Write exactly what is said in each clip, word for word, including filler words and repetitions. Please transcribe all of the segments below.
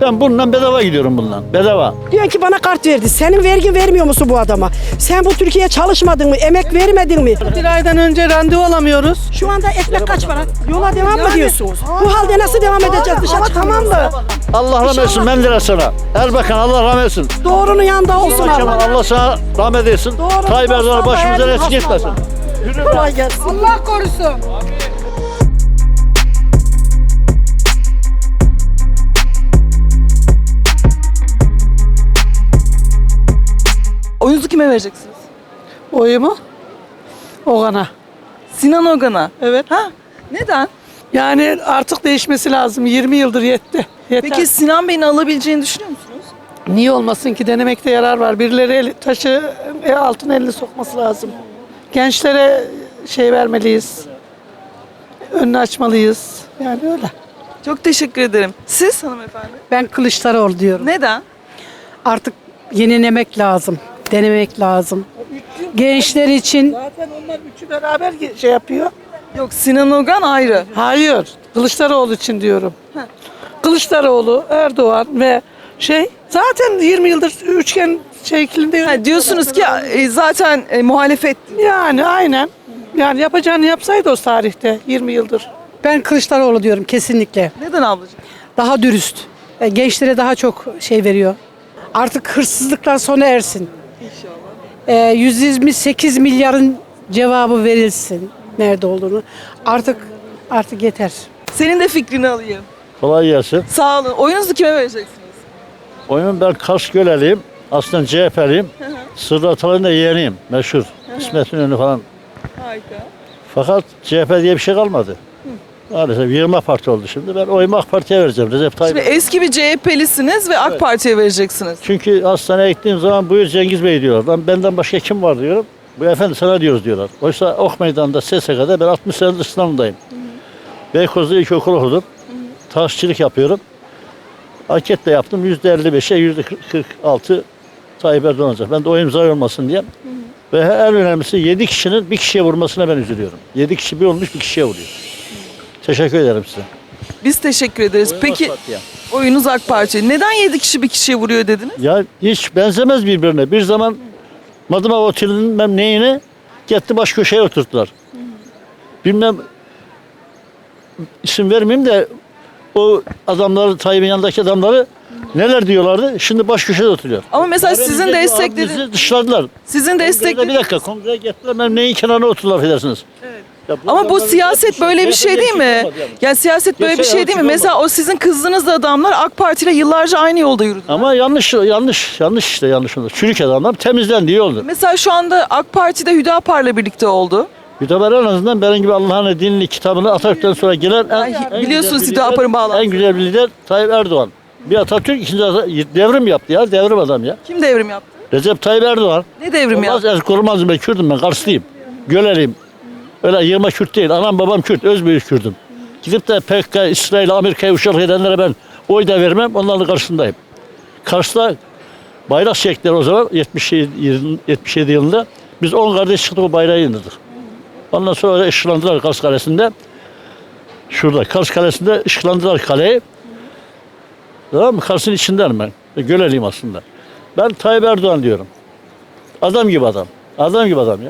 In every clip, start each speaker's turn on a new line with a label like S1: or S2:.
S1: Ben bundan bedava gidiyorum bundan. Bedava.
S2: Diyor ki bana kart verdi. Senin vergin vermiyor musun bu adama? Sen bu Türkiye'ye çalışmadın mı? Emek vermedin mi?
S3: Bir aydan önce randevu alamıyoruz.
S2: Şu anda ekmek kaç para? Yola devam mı diyorsunuz? Bu halde nasıl devam edeceğiz? Dışarı tamam da.
S1: Allah rahmet etsin Menderes sana. Erbakan Allah rahmet etsin.
S2: Doğrunun yanında olsun
S1: Kemal
S2: Allah.
S1: Allah sana rahmet etsin.
S2: Doğru,
S1: Tayyip
S2: dost
S1: Erdoğan'ı
S2: Allah,
S1: başımıza
S2: elin
S1: eksik etmesin.
S2: hasbinallah. Kolay gelsin.
S3: Allah korusun.
S4: Oyunuzu kime vereceksiniz?
S3: Oyumu Ogan'a.
S4: Sinan Ogan'a.
S3: Evet.
S4: Ha? Neden?
S3: Yani artık değişmesi lazım. yirmi yıldır yetti. Yeter.
S4: Peki Sinan Bey'in alabileceğini düşünüyor musunuz?
S3: Niye olmasın ki? Denemekte yarar var. Birileri eli, taşı e, altın elini sokması lazım. Gençlere şey vermeliyiz. Önünü açmalıyız. Yani öyle.
S4: Çok teşekkür ederim. Siz hanımefendi?
S2: Ben Kılıçdaroğlu diyorum.
S4: Neden?
S2: Artık yenilemek lazım. Denemek lazım. Gençler için
S3: Zaten onlar üçü beraber şey yapıyor.
S4: Yok, Sinan Ogan ayrı.
S3: Hayır. Kılıçdaroğlu için diyorum. Kılıçdaroğlu, Erdoğan ve şey zaten yirmi yıldır üçgen şeklinde
S4: Ha,
S3: yönetiyorlar.
S4: diyorsunuz ki e, zaten e, muhalefet.
S3: Yani aynen. Yani yapacağını yapsaydı o tarihte yirmi yıldır.
S2: ben Kılıçdaroğlu diyorum kesinlikle.
S4: Neden ablacığım?
S2: Daha dürüst. E, Gençlere daha çok şey veriyor. Artık hırsızlıklar sona ersin. İnşallah. E, yüz yirmi sekiz milyarın cevabı verilsin. Nerede olduğunu. Artık artık yeter.
S4: Senin de fikrini alayım.
S1: Kolay gelsin.
S4: Sağ olun. Oyunuzu kime vereceksiniz?
S1: Oyun ben Kars Göleliyim. Aslında C H P'liyim. Sırrı Atalay'ın da yeğeniyim. Meşhur. İsmet İnönü falan.
S4: Harika.
S1: Fakat C H P diye bir şey kalmadı. Maalesef yığma parti oldu şimdi. Ben oyumu AK Parti'ye vereceğim. Recep Tayyip.
S4: Şimdi eski bir C H P'lisiniz ve AK Parti'ye vereceksiniz.
S1: Çünkü hastaneye gittiğim zaman buyur Cengiz Bey diyorlar. Ben benden başka kim var diyorum. Bu efendi sana diyoruz diyorlar. Oysa Ok Meydanı'nda S S K'da ben altmış senedir sınavındayım. Beykoz'da ilkokul okudum. Taşçılık yapıyorum. Anket de yaptım. yüzde elli beşe yüzde kırk altı Tayyip Erdoğan olacak. Ben de o imza olmasın diye. Ve en önemlisi yedi kişinin bir kişiye vurmasına ben üzülüyorum. yedi kişi bir olmuş bir kişiye vuruyor. Teşekkür ederim size.
S4: Biz teşekkür ederiz. Peki oyunuz AK Parti. Neden yedi kişi bir kişiye vuruyor dediniz?
S1: Ya hiç benzemez birbirine. Bir zaman Madımak Oteli'nin ben neyine gitti baş köşeye oturttular. Bilmem isim vermeyeyim de o adamları, Tayyip'in yanındaki adamları neler diyorlardı? Şimdi baş köşede oturuyor.
S4: Ama mesela sizin
S1: Bizi
S4: desteklediğiniz,
S1: dışladılar.
S4: sizin
S1: Kongrede, bir
S4: desteklediğiniz.
S1: dakika kongreye gittiler. Ben neyin kenarına oturdular affedersiniz. Ya
S4: Ama bu
S1: adamların
S4: siyaset
S1: hepsi-
S4: böyle bir şey
S1: C H P'de
S4: değil mi?
S1: çıkamadı yani.
S4: Ya siyaset böyle bir
S1: Geçen
S4: şey
S1: yıl
S4: değil mi?
S1: çıkamadı.
S4: Mesela o sizin kızdığınız adamlar AK Parti ile yıllarca aynı yolda yürüdü.
S1: Ama yanlış yanlış yanlış işte yanlış oldu. Çürük adamlar temizlendi iyi oldu.
S4: Mesela şu anda AK Parti'de Hüdapar'la birlikte oldu.
S1: Hüdapar en azından benim gibi Allah'ın dinini kitabını Atatürk'ten sonra gelen en,
S4: Ay,
S1: en
S4: biliyorsunuz
S1: güzel bir
S4: Hüdapar'ın
S1: lider-
S4: bağlantısı.
S1: En güzel bir lider Tayyip Erdoğan. Bir Atatürk, ikinci Atatürk, devrim yaptı ya, devrim adam ya.
S4: Kim devrim yaptı?
S1: Recep Tayyip Erdoğan.
S4: Ne devrim
S1: Olmaz,
S4: yaptı?
S1: Erzurum'um ben Kürt'üm ben, Karslıyım. Göleliyim. Öyle yığma Kürt değil, anam babam Kürt, özbüyük Kürt'üm. Gidip de P K K, İsrail, Amerika'ya uşak edenlere ben oy da vermem, onların karşısındayım. Kars'ta bayrak çektiler o zaman, yetmiş yedi, yetmiş yedi yılında. Biz on kardeş çıktık o bayrağı indirdik. Ondan sonra ışıklandılar Kars Kalesi'nde. Şurada Kars Kalesi'nde ışıklandılar kaleyi. Tamam mı? Kars'ın içindenim ben. Göleliyim aslında. Ben Tayyip Erdoğan diyorum. Adam gibi adam. Adam gibi adam ya.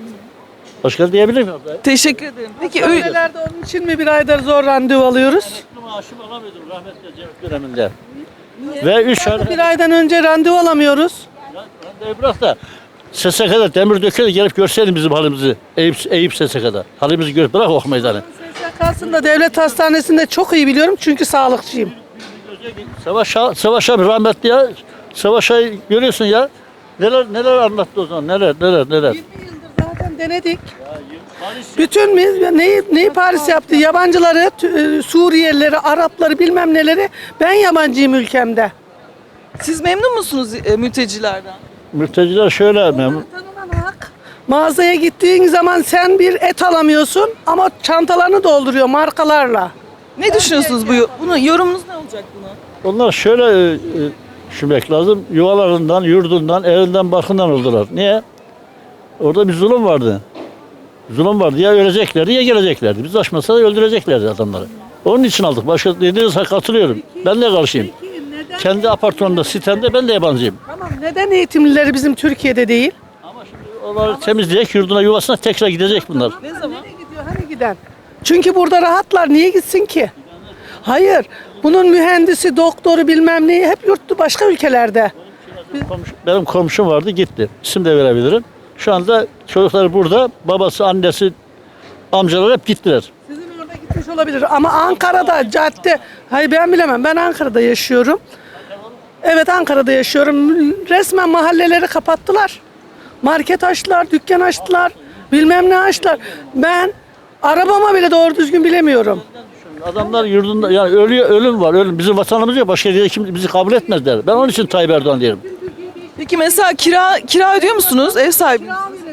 S1: Başka diyebilir miyim?
S4: Teşekkür ederim. Peki öyle.
S3: Hastanelerde onun için mi bir aydır zor randevu alıyoruz?
S1: Maaşımı alamıyordum rahmetli Cevdet döneminde. Ve üç ay...
S3: Bir aydan önce randevu alamıyoruz.
S1: Randevu bırak da S S K'da demir dökeli gelip görseydin bizim halimizi. Eyüp, Eyüp S S K'da. Halimizi gör, bırak Ok Meydanı.
S3: S S K'sında devlet hastanesinde çok iyi biliyorum çünkü sağlıkçıyım.
S1: Savaş, Savaş abi rahmetli ya. Savaş abi görüyorsun ya. Neler neler anlattı o zaman. Neler neler neler.
S3: yirmi yıldır zaten denedik. Bütün mi- neyi, neyi Paris yaptı? Yabancıları, tü- e, Suriyelileri, Arapları bilmem neleri. Ben yabancıyım ülkemde.
S4: Siz memnun musunuz e, mültecilerden?
S1: Mülteciler şöyle memnun.
S3: Tanınan hak. Mağazaya gittiğin zaman sen bir et alamıyorsun ama çantalarını dolduruyor markalarla.
S4: Ne düşünüyorsunuz bu? Bunu yorumunuz ne olacak buna?
S1: Onlar şöyle e, e, düşünmek lazım. Yuvalarından, yurdundan, evinden, barkından oldular. Niye? Orada bir zulüm vardı. Zulüm vardı. Ya öleceklerdi ya geleceklerdi. Biz açmasa da öldüreceklerdi adamları. Onun için aldık. Başka dediğiniz katılıyorum. Ben de karşıyım.
S3: Peki
S1: kendi apartmanında, sitemde ben de yabancıyım.
S3: Tamam, neden eğitimlileri bizim Türkiye'de değil?
S1: Ama şimdi onları temizleyecek, yurduna, yuvasına tekrar gidecek bunlar.
S4: Ne zaman?
S3: Nereye gidiyor? Hani giden? Çünkü burada rahatlar. Niye gitsin ki? Hayır. Bunun mühendisi, doktoru bilmem neyi hep yurttu başka ülkelerde.
S1: Komşu- benim komşum vardı, gitti. İsim de verebilirim. Şu anda çocukları burada, babası, annesi, amcalar hep gittiler.
S3: Sizin orada gitmiş olabilir ama Ankara'da cadde, hayır ben bilemem, ben Ankara'da yaşıyorum. Evet, Ankara'da yaşıyorum. Resmen mahalleleri kapattılar. Market açtılar, dükkan açtılar, bilmem ne açtılar. Ben arabama bile doğru düzgün bilemiyorum.
S1: Adamlar yurdunda, yani ölüyor, ölüm var, ölüm. Bizim vatanımız yok, başka yerde kim bizi kabul etmezler. Ben onun için Tayyip Erdoğan diyorum.
S4: Peki mesela kira kira ödüyor musunuz ev sahibi?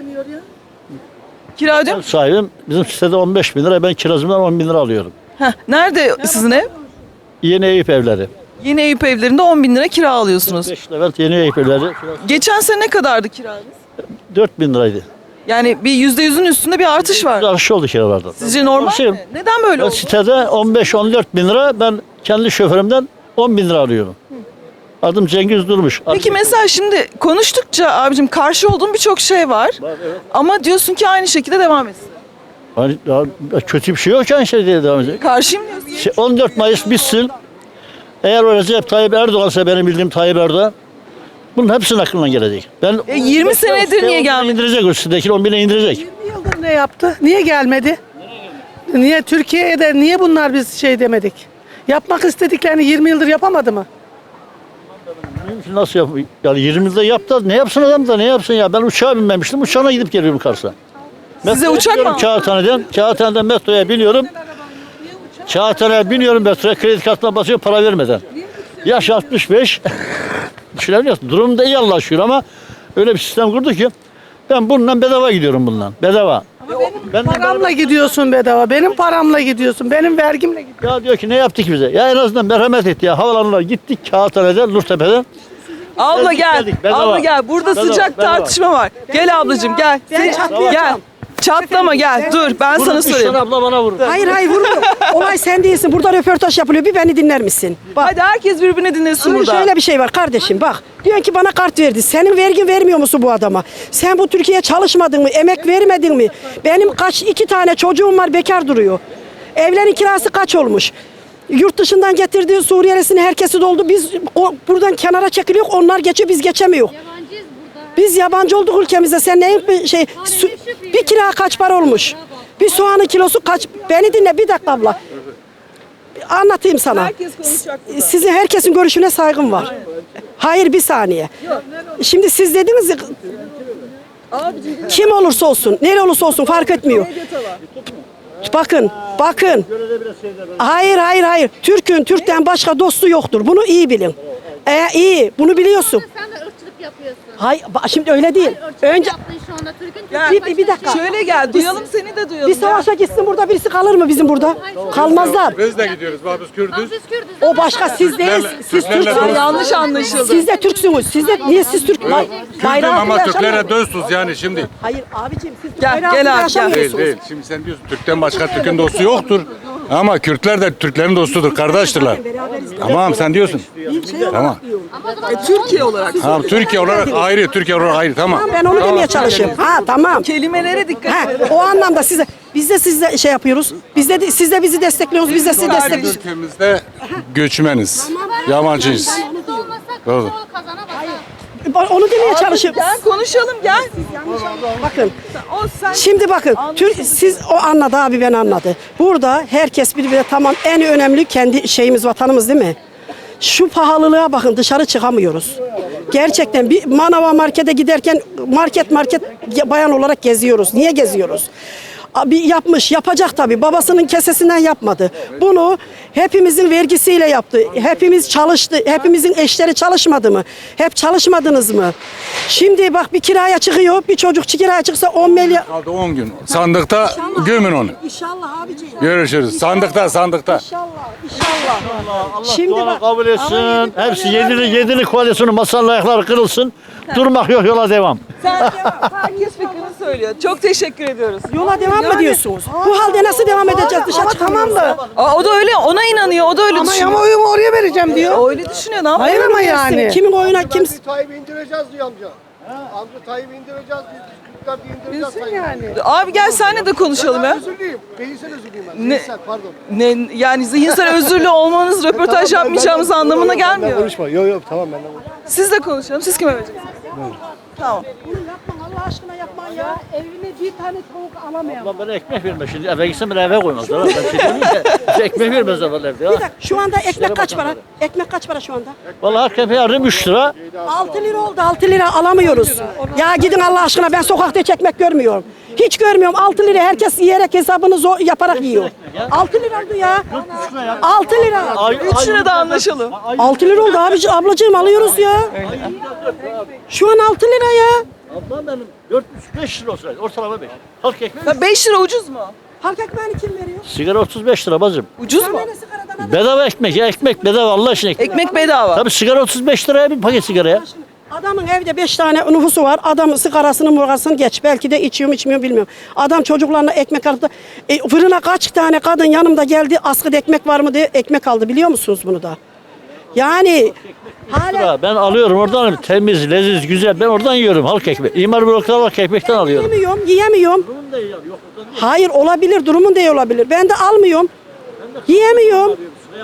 S4: Kira ödüyor
S1: Ev
S4: musunuz?
S1: sahibim, bizim sitede on beş bin lira, ben kirazımdan on bin lira alıyorum.
S4: Heh, nerede sizin ev?
S1: Yeni Eyüp evleri.
S4: Yeni Eyüp evlerinde on bin lira kira alıyorsunuz.
S1: beş Levent Yeni Eyüp evleri.
S4: Geçen sene ne kadardı kiranız?
S1: dört bin liraydı.
S4: Yani bir yüzde yüzün üstünde bir artış var.
S1: Artış oldu kiralarda.
S4: Sizce normal
S1: Şey,
S4: mi? Neden böyle
S1: Ben
S4: oldu?
S1: sitede on beş on dört bin lira, ben kendi şoförümden on bin lira alıyorum. Adım Cengiz Durmuş.
S4: Peki mesela şimdi konuştukça abicim karşı olduğum birçok şey var. Ama diyorsun ki aynı şekilde devam etsin.
S1: Hani ya kötü bir şey yok ki aynı şey diye devam edecek.
S4: Karşıyım diyorsun.
S1: Şey, on dört Mayıs bitsin. Eğer o Recep Tayyip Erdoğan'sa, benim bildiğim Tayyip Erdoğan, bunun hepsinin aklından gelecek. Ben
S4: E, yirmi senedir niye gelmedi?
S1: İndirecek o sitedeki on bine indirecek.
S3: yirmi yıldır ne yaptı? Niye gelmedi? Niye Türkiye'de niye bunlar biz şey demedik? Yapmak istediklerini yirmi yıldır yapamadı mı?
S1: Nasıl yap? Yani yirmi yılda yaptı. Ne yapsın adam da, ne yapsın ya? Ben uçağa binmemiştim. Uçağına gidip geliyorum Kars'a.
S4: Size
S1: Metroya
S4: uçak mı
S1: biniyorum
S4: aldın?
S1: Kağıthane'den. Kağıthane'den metroya biniyorum. Kağıthane'ye biniyorum metroya. Kredi kartına basıyor para vermeden. Yaş altmış beş. Düşünebiliyorsun. Durum da iyi Allah'a şükür ama öyle bir sistem kurdu ki ben bununla bedava gidiyorum bundan. Bedava. Ben de
S3: Paramla gidiyorsun bedava. Benim paramla gidiyorsun. Benim vergimle gidiyorsun.
S1: ya diyor ki ne yaptık bize? Ya en azından merhamet et ya. Havalanına gittik Kağıthane'den, Nurtepe'den.
S4: Abla
S1: Geldik,
S4: gel.
S1: geldik. Bedava.
S4: Abla gel. Burada
S1: Bedava,
S4: sıcak
S1: bedava.
S4: tartışma var. Gel ablacığım gel. Sen-
S3: çatlayacağım.
S4: Gel. Çatlama gel. Dur ben sana
S1: Vurun, üç
S4: sorayım.
S1: tane abla bana vurdu.
S5: Hayır hayır vurmuyor. Olay sen değilsin. Burada röportaj yapılıyor. Bir beni dinler misin? Bak.
S4: Hadi herkes birbirini dinlesin
S5: Şimdi
S4: burada.
S5: şöyle bir şey var kardeşim bak. Diyorsun ki bana kart verdi. Senin vergin vermiyor musun bu adama? Sen bu Türkiye'ye çalışmadın mı? Emek vermedin mi? Benim kaç iki tane çocuğum var bekar duruyor. Evlerin kirası kaç olmuş? Yurt dışından getirdiğin Suriyelisini herkesi doldu. Biz o, buradan kenara çekiliyor. Onlar geçiyor biz geçemiyor.
S6: Yabancıyız burada.
S5: Biz yabancı olduk ülkemizde. Sen neyin bir şey su- bir kira kaç para olmuş? Bir soğanın kilosu kaç? Beni dinle bir dakika abla. Anlatayım sana.
S4: Herkes konuşacak burada.
S5: Sizin herkesin görüşüne saygım var. Hayır bir saniye. Şimdi siz dediniz ya kim olursa olsun, nereye olursa olsun fark etmiyor. Bakın, bakın. Hayır, hayır, hayır. Türk'ün Türk'ten başka dostu yoktur. Bunu iyi bilin. E, iyi, bunu biliyorsun.
S6: Sen de ırkçılık yapıyorsun.
S5: Hayır, ba- şimdi öyle değil.
S6: Irkçılık
S5: Önce
S6: yaptın şu anda Türk'ün
S4: Gel.
S5: Bir- bir- bir dakika.
S4: Şöyle gel. Duyalım seni de duyalım.
S5: bir savaşa gitsin burada birisi kalır mı bizim burada? Kalmazlar.
S7: Biz de gidiyoruz. Bak biz Kürdüz.
S6: Biz Kürdüz.
S5: O başka siz değil. Siz
S7: Türklerle
S5: Türksünüz.
S7: dost-
S4: Yanlış anlaşıldı.
S5: Siz de Türksünüz. Siz de niye siz Türk? Bay,
S7: Kürdüm
S5: bayrağı
S7: ama
S5: altında
S7: Türklere
S5: yaşamıyorsunuz.
S7: dostuz yani şimdi.
S5: Hayır abicim siz
S4: Gel,
S5: bayrağı
S4: gel
S5: altında
S4: abi, gel.
S5: yaşamıyorsunuz.
S7: Değil değil. Şimdi sen diyorsun Türk'ten başka Türk'ün dostu yoktur. Ama Kürtler de Türklerin dostudur, kardeştirler. Tamam sen diyorsun. Tamam.
S4: Türkiye olarak.
S7: Tamam Türkiye olarak ayrı, Türkiye olarak ayrı. Tamam.
S5: Ben onu demeye çalışıyorum. Ha tamam.
S4: Kelimelere dikkat
S5: Ha,
S4: et.
S5: o anlamda size biz de sizle şey yapıyoruz. Biz de siz de bizi destekliyorsunuz. Biz de sizi destekliyoruz.
S7: Ülkemizde göçmeniz, yabancıyız.
S6: Biz olmasak
S7: Doğru.
S6: o kazanamaz.
S5: Onu demeye çalışıyorum.
S4: Gel konuşalım gel.
S5: Bakın.
S4: O sen
S5: Şimdi bakın, Tür, siz o anladı abi ben anladı. Burada herkes birbirine tamam en önemli kendi şeyimiz vatanımız değil mi? Şu pahalılığa bakın dışarı çıkamıyoruz. Gerçekten bir manava markete giderken market market bayan olarak geziyoruz. Niye geziyoruz? Bir yapmış, yapacak tabii. Babasının kesesinden yapmadı. Bunu hepimizin vergisiyle yaptı. Hepimiz çalıştı. Hepimizin eşleri çalışmadı mı? Hep çalışmadınız mı? Şimdi bak bir kiraya çıkıyor. Bir çocuk kiraya çıksa on milyar.
S7: Kaldı on gün. Sandıkta gömün onu.
S5: İnşallah abiciğim.
S7: Görüşürüz. Sandıkta, sandıkta.
S5: İnşallah, inşallah. Şimdi
S1: Duanı
S5: bak.
S1: kabul etsin. Hepsi yedili yedili koalisyonu masanın ayakları kırılsın. Durmak yok, yola devam.
S4: sen herkes fikrini söylüyor. Çok teşekkür ediyoruz.
S5: Yola devam Tamam mı
S3: Yani-
S5: diyorsunuz? Bu halde nasıl devam edeceğiz? Dışa
S3: Ama
S5: çıkamıyoruz.
S3: tamam da.
S4: Aa, o da öyle, ona inanıyor, o da öyle
S3: Ama
S4: düşünüyor.
S3: ama oyumu oraya vereceğim diyor.
S4: Öyle düşünüyor, ne yapıyor?
S3: Hayır ama yani.
S5: Kimin oyuna kim?
S8: Bir Tayyip'i indireceğiz diyor amca. Amca Tayyip'i indireceğiz diyor. Biz Kürtler diye indireceğiz
S3: Bilsin
S8: Tayyip'i.
S3: yani.
S4: Abi gel senle de konuşalım ya.
S8: Özürlüyüm. Beyinsel özürlüyüm ben.
S4: Ne-
S8: Beyinsel pardon.
S4: Ne, yani zihinsel özürlü olmanız röportaj
S8: Tamam, ben-
S4: yapmayacağımız
S8: ben-
S4: anlamına
S8: yok, yok, ben
S4: gelmiyor.
S8: konuşma. Yok yok tamam benden konuşma.
S4: Siz de konuşalım. Siz kime vereceksiniz? Tamam.
S5: Bunu yapma Allah aşkına yapma ya. Evine bir tane tavuk alamayalım.
S1: Lan bana ekmek verme şimdi. Eve gitsem bana eve koymazlar. Ben şey diyorum ki bize ekmek vermezler evde
S5: Bir
S1: ya.
S5: dakika şu anda ekmek kaç para? Ekmek kaç para şu anda?
S1: Vallahi her kefe yarım üç lira.
S5: altı lira oldu altı lira alamıyoruz. Ya gidin Allah aşkına ben sokakta hiç ekmek görmüyorum. Hiç görmüyorum altı lira herkes yiyerek hesabını zor yaparak yiyor. altı lira oldu ya. altı lira.
S4: üç lira da anlaşalım.
S5: altı lira oldu abici ablacığım alıyoruz ya. Şu an altı lira ya.
S1: Ablam benim dört buçuk beş lira olsaydı ortalama beş. Halk ekmek.
S4: Ya beş lira ucuz mu?
S5: Halk ekmeğini kim veriyor?
S1: Sigara otuz beş lira bacım.
S4: Ucuz mu?
S5: Tane sigaradan adam-
S1: Bedava ekmek ya ekmek bedava Allah aşkına ekmek.
S4: Ekmek bedava.
S1: Tabii sigara otuz beş liraya bir paket sigara ya.
S5: Adamın evde beş tane nüfusu var. Adam sigarasını murgasını geç. Belki de içiyor mu içmiyor mu bilmiyorum. Adam çocuklarına ekmek aldı. E, fırına kaç tane kadın yanımda geldi. Askıda ekmek var mı diye ekmek aldı. Biliyor musunuz bunu da? Yani hala
S1: Lira. Ben alıyorum oradan temiz, leziz, güzel. Ben oradan yiyorum halk ekmeği. İmar blokları halk ekmekten alıyorum.
S5: yiyemiyorum, yiyemiyorum. Hayır olabilir, durumun da iyi olabilir. Ben de almıyorum. Yiyemiyorum.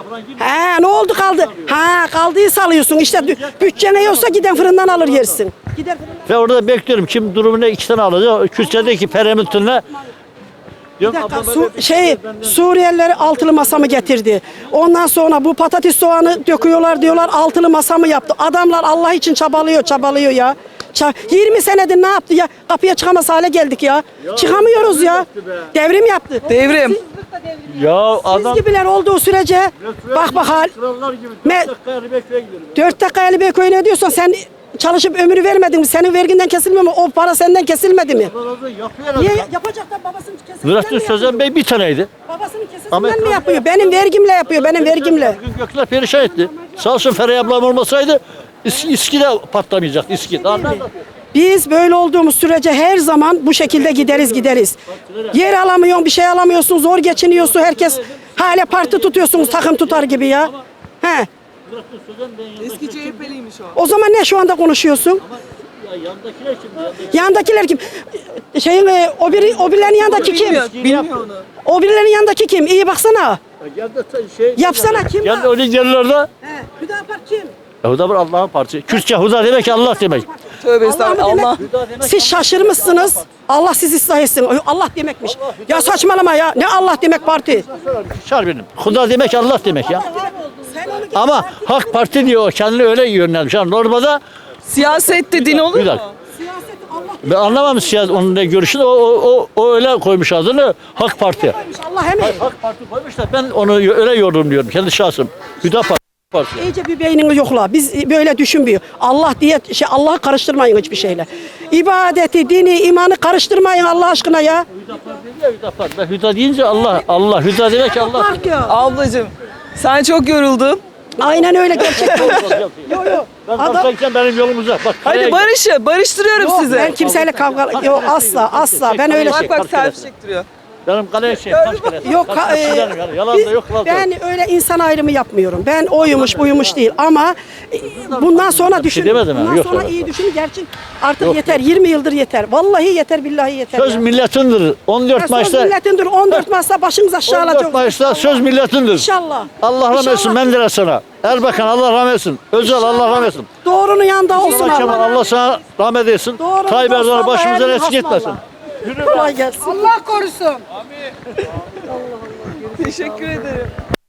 S5: He ne oldu kaldı? Ha kaldıysa alıyorsun. İşte dü- bütçene yoksa giden fırından alır yersin. Gider fırından.
S1: Ve orada bekliyorum kim durumuna iki tane alacak. Kürtçedeki peremitünle.
S5: Bir dakika, Su, şey Suriyelileri altılı masa mı getirdi? Ondan sonra bu patates soğanı döküyorlar diyorlar altılı masa mı yaptı? Adamlar Allah için çabalıyor çabalıyor ya. Ça- yirmi senedir ne yaptı ya? Kapıya çıkamaz hale geldik ya. Çıkamıyoruz ya. Devrim yaptı.
S4: Devrim.
S1: Ya
S5: Siz
S1: adam
S5: gibiler olduğu sürece bak bak hal.
S1: krallar gibi
S5: Me-
S1: dört dakika Erbekö'ye gidiyorum.
S5: Dört dakika Ali Bey ne diyorsun? Sen çalışıp ömrü vermedin mi? Senin verginden kesilmiyor mu? O para senden kesilmedi mi?
S1: Yapıyor
S5: Niye
S1: adam.
S5: yapacak da babasının kesesinden
S1: Nurettin
S5: mi
S1: Sözen
S5: yapıyor?
S1: Bey bir taneydi.
S5: Babasının
S1: Ama
S5: kesesinden mi
S1: ekran-
S5: yapıyor? Benim vergimle yapıyor. Benim vergimle.
S1: Bugün Gökler perişan etti. Sağ olsun Feray ablam olmasaydı İS- İSKİ de patlamayacaktı İSKİ. Daha nerede?
S5: Biz böyle olduğumuz sürece her zaman bu şekilde gideriz gideriz. Yer alamıyorsun, bir şey alamıyorsun, zor geçiniyorsun. Herkes hala parti tutuyorsunuz takım tutar gibi ya. He.
S1: Nurettin Sözen Bey'in
S4: Eski C H P'liymiş o.
S5: O zaman ne şu anda konuşuyorsun?
S1: ya yandakiler şimdi. Yandaki...
S5: Yandakiler kim? Şeyin e, o biri o birilerin yanındaki kim?
S4: Bilmiyor, bilmiyor onu.
S5: O birilerin yanındaki kim? İyi baksana.
S1: Geldi şey.
S5: Yapsana kim
S1: Geldi
S5: var?
S1: öyle yerlerde.
S5: He. Hüdapar kim?
S1: Huda bir Allah'ın partisi. Kürtçe Huda demek ki Allah demek.
S4: Tövbe
S5: Allah
S4: estağfurullah.
S5: mı
S4: Allah.
S5: demek? Siz şaşırmışsınız. Allah sizi ıslah etsin. Allah demekmiş. Ya saçmalama ya. Ne Allah demek parti?
S1: Çağır benim. Huda demek Allah demek ya.
S5: Sen onu
S1: Ama Hak Parti diyor kendini öyle yönlenmiş. Yani normalde
S4: Siyasette din olur
S1: bir
S4: mu?
S1: dakika.
S5: siyaset Allah
S1: Ben anlamam siyaset onun ne görüşünü. O, o, o, o öyle koymuş adını Hak Parti.
S5: demiş. Allah hemen.
S1: Hak Parti koymuş da ben onu öyle yorumluyorum. Kendi şahsım. Hüda Parti. Parti.
S5: İyice bir beynini yokla. Biz böyle düşünmüyor. Allah diye şey Allah'ı karıştırmayın hiçbir şeyle. İbadeti, dini, imanı karıştırmayın Allah aşkına ya.
S1: Hüda Parti değil ya, Hüda Parti. Ben Hüda deyince Allah. Allah. Hüda demek ki Allah.
S5: Fark yok.
S4: Ablacığım sen çok yoruldun.
S5: Aynen öyle gerçekten. Yok yok.
S1: Ben
S5: Adam
S1: kalkarken benim yolum uzak. Bak,
S4: Hadi
S1: kaleye-
S4: barışı, barıştırıyorum
S5: yok,
S4: sizi.
S5: ben kimseyle kavga yok asla asla ben öyle
S4: Bak
S5: şey.
S4: bak servis çektiriyor.
S1: Benim kaleye şey. Kaç kere.
S5: Yok
S1: Kaç
S5: ka-
S1: kere
S5: e,
S1: silerim yani. Yalan
S5: biz-
S1: da yok. Yalan da yok.
S5: ben öyle insan ayrımı yapmıyorum. Ben oymuş buymuş değil ama e, bundan sonra düşün.
S1: demedim ha,
S5: bundan
S1: yok
S5: sonra
S1: öyle.
S5: iyi düşün. Gerçek artık yeter. yirmi yıldır yeter. Vallahi yeter billahi yeter.
S1: Söz
S5: ya.
S1: milletindir. on
S5: Ya
S1: dört
S5: söz
S1: Mayıs'ta
S5: milletindir. on dört Mayıs'ta başınız aşağı
S1: on dört
S5: alacak.
S1: Mayıs'ta söz milletindir.
S5: İnşallah.
S1: Allah rahmet etsin
S5: İnşallah.
S1: Menderes'e. Erbakan Allah rahmet etsin. Özel Allah rahmet etsin.
S5: Doğrunun yanında olsun
S1: Allah Kemal
S5: Allah.
S1: Allah sana rahmet etsin.
S5: Doğru,
S1: Tayyip
S5: dost
S1: Erdoğan'ı
S5: Allah,
S1: başımızdan
S5: elin
S1: eksik etmesin.
S5: hasmallah. Kolay gelsin.
S3: Allah korusun.
S4: Teşekkür ederim.